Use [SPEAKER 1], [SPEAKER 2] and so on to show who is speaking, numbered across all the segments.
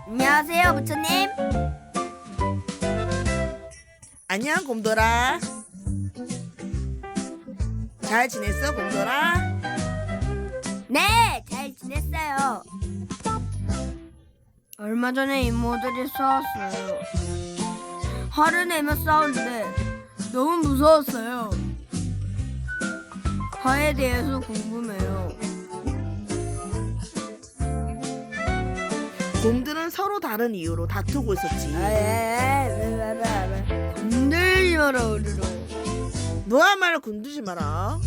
[SPEAKER 1] 안녕하세요, 부처님.
[SPEAKER 2] 안녕 곰돌아. 잘 지냈어 곰돌아?
[SPEAKER 1] 네, 잘 지냈어요. 얼마 전에 이모들이 싸웠어요. 화를 내며 싸우는데 너무 무서웠어요. 화에 대해서 궁금해요.
[SPEAKER 2] 곰들은 서로 다른 이유로 다투고 있었지.
[SPEAKER 1] 건들지 마라, 우리로.
[SPEAKER 2] 너야말로 건드지 마라.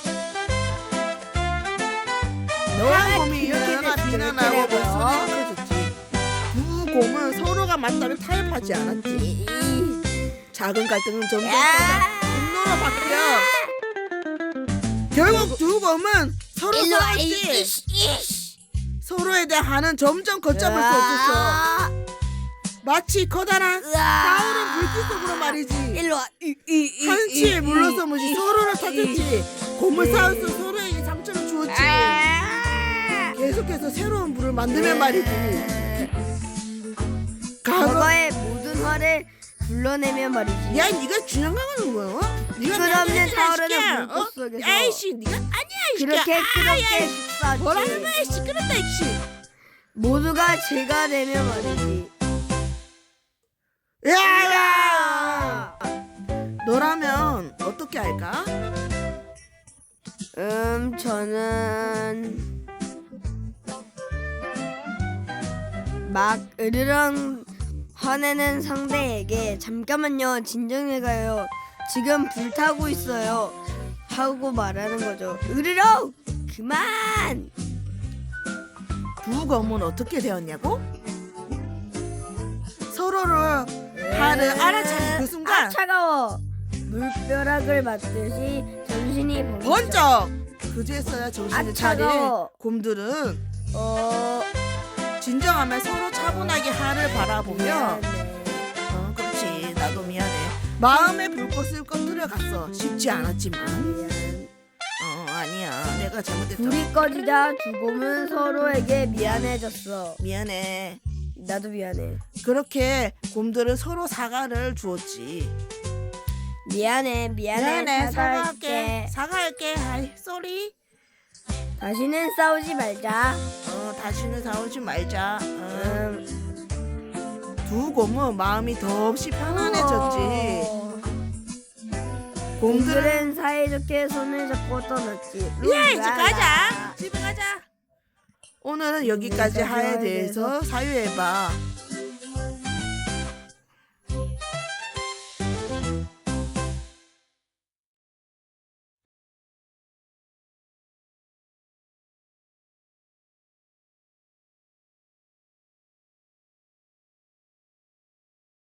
[SPEAKER 1] 너가
[SPEAKER 2] 곰이
[SPEAKER 1] 이렇게
[SPEAKER 2] 유연아
[SPEAKER 1] 됐으면
[SPEAKER 2] 비난하고
[SPEAKER 1] 그래요.
[SPEAKER 2] 목소리를 해줬지. 두 곰은 서로가 맞다를 타협하지 않았지. 작은 갈등은 점점 분노로 바뀌어 결국 두 곰은 서로
[SPEAKER 1] 일로 와,
[SPEAKER 2] 싸웠지. 서로에 대한 점점 걷잡을 수 없었어. 마치 커다란 타오른 불빛 속으로 말이지.
[SPEAKER 1] 일로 와.
[SPEAKER 2] 한치에 물러서무시 서로를 타겠지. 곰을 쌓아서 서로에게 상처를 주었지. 계속해서 새로운 물을 만들면 말이지.
[SPEAKER 1] 과거의 모든 화를 불러내면 말이지.
[SPEAKER 2] 야, 네가 주장하는 거야? 네가
[SPEAKER 1] 끝없는 타오르는 불꽃 속에서
[SPEAKER 2] 아이씨, 네가 아니야, 이씨.
[SPEAKER 1] 그렇게 뜨겁게
[SPEAKER 2] 뭐라는
[SPEAKER 1] 싸웠지.
[SPEAKER 2] 거야, 시끄럽다, 이씨.
[SPEAKER 1] 모두가 제가 되면 말이지.
[SPEAKER 2] 야! 너라면 어떻게 할까?
[SPEAKER 1] 저는 막 으르렁 화내는 상대에게 잠깐만요, 진정해가요. 지금 불타고 있어요. 하고 말하는 거죠. 으르렁! 그만!
[SPEAKER 2] 두 검은 어떻게 되었냐고? 서로를 화를 알아차린 그 순간
[SPEAKER 1] 차가워. 물벼락을 맞듯이 정신이
[SPEAKER 2] 번쩍! 그제서야 정신을 차린
[SPEAKER 1] 차가워.
[SPEAKER 2] 곰들은 진정하면 서로 차분하게 하를 바라보며 그렇지, 나도 미안해. 마음의 불꽃을 꺼뜨려 갔어. 쉽지 않았지만 아니야, 내가 잘못했다.
[SPEAKER 1] 불이 꺼지자 두 곰은 서로에게 미안해졌어.
[SPEAKER 2] 미안해.
[SPEAKER 1] 나도 미안해.
[SPEAKER 2] 그렇게 곰들은 서로 사과를 주었지.
[SPEAKER 1] 미안해. 사과할게.
[SPEAKER 2] 사과할게. 아이, 쏘리.
[SPEAKER 1] 다시는 싸우지 말자.
[SPEAKER 2] 다시는 싸우지 말자. 두 곰은 마음이 더없이 편안해졌지. 곰들은
[SPEAKER 1] 곰들은 사이좋게 손을 잡고 떠났지.
[SPEAKER 2] 야, 이제 가자. 집에 가자. 오늘은 여기까지 하에 대해서 사유해봐.